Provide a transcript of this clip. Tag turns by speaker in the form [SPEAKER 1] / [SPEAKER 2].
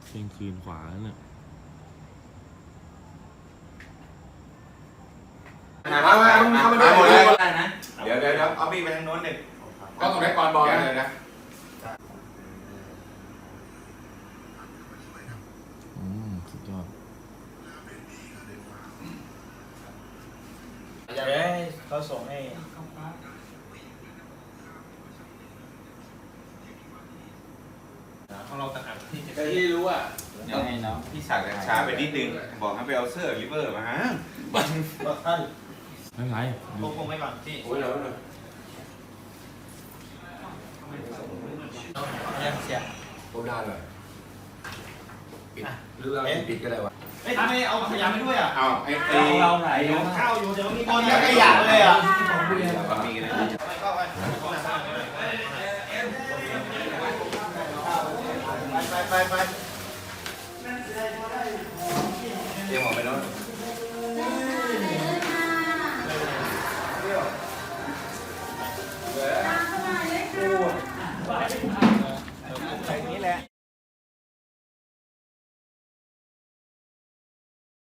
[SPEAKER 1] เที่ยงคืนขวาเนี่ย
[SPEAKER 2] มาทำมาด้วยหมดเลยนะ
[SPEAKER 3] เดี๋ยวเอามีดไปทางโน้นหนึ่ง
[SPEAKER 2] ก็ต้องได้ก่อนบอลเลยนะ
[SPEAKER 1] สุดยอด
[SPEAKER 4] อยากให้เขาส่งให้ของเราต่างหากที่รู้อ่ะ
[SPEAKER 3] ยังไงเนาะพี่สักดิ์ช้าไปนิดนึงบอกให้ไปเอาเสื้อริเวอร์มาฮะ
[SPEAKER 4] บอกท่าน
[SPEAKER 1] ไม่เป็นไร
[SPEAKER 4] คงไว้ก่อนที่
[SPEAKER 2] โอ้ยแล้วเลย
[SPEAKER 4] ยังเสีย
[SPEAKER 2] ผมได้เลยปิดหรือเราปิดก็ได้วะ
[SPEAKER 4] เอ้ยทำไมเอาขยะไปด้วยอ่ะ
[SPEAKER 3] เอาไอ้
[SPEAKER 4] เราไหนข้าวอยู่เดี๋ยวมีคนขยะเลยอ่ะ
[SPEAKER 3] มีกันเลย
[SPEAKER 4] ไป
[SPEAKER 3] เตรียมออกไปแล้ว
[SPEAKER 5] ไป